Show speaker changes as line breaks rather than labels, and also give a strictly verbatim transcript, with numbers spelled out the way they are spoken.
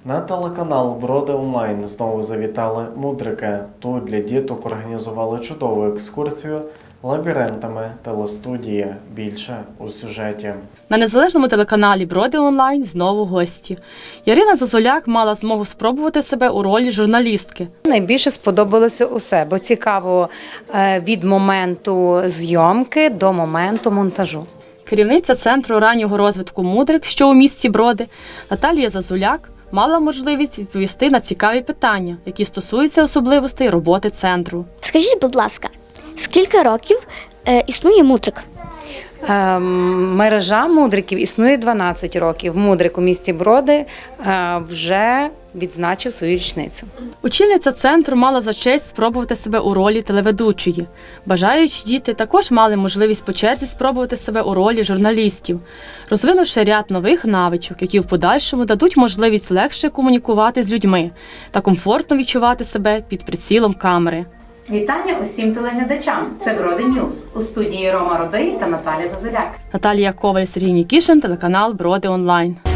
На телеканал Броди онлайн знову завітали мудрики. Тут для діток організували чудову екскурсію лабіринтами телестудії. Більше у сюжеті.
На незалежному телеканалі Броди онлайн знову гості. Ярина Зазуляк мала змогу спробувати себе у ролі журналістки.
Найбільше сподобалося усе, бо цікаво від моменту зйомки до моменту монтажу.
Керівниця Центру раннього розвитку «Мудрик», що у місті Броди, Наталія Зазуляк, мала можливість відповісти на цікаві питання, які стосуються особливостей роботи центру.
Скажіть, будь ласка, скільки років е, існує «Мудрик»?
Мережа мудриків існує дванадцять років. Мудрик у місті Броди вже відзначив свою річницю.
Очільниця центру мала за честь спробувати себе у ролі телеведучої. Бажаючі діти також мали можливість по черзі спробувати себе у ролі журналістів, розвинувши ряд нових навичок, які в подальшому дадуть можливість легше комунікувати з людьми та комфортно відчувати себе під прицілом камери.
Вітання усім телеглядачам. Це Броди Ньюз. У студії Рома Родий та Наталія Зазуляк.
Наталія Коваль, Сергій Нікішин, телеканал Броди онлайн.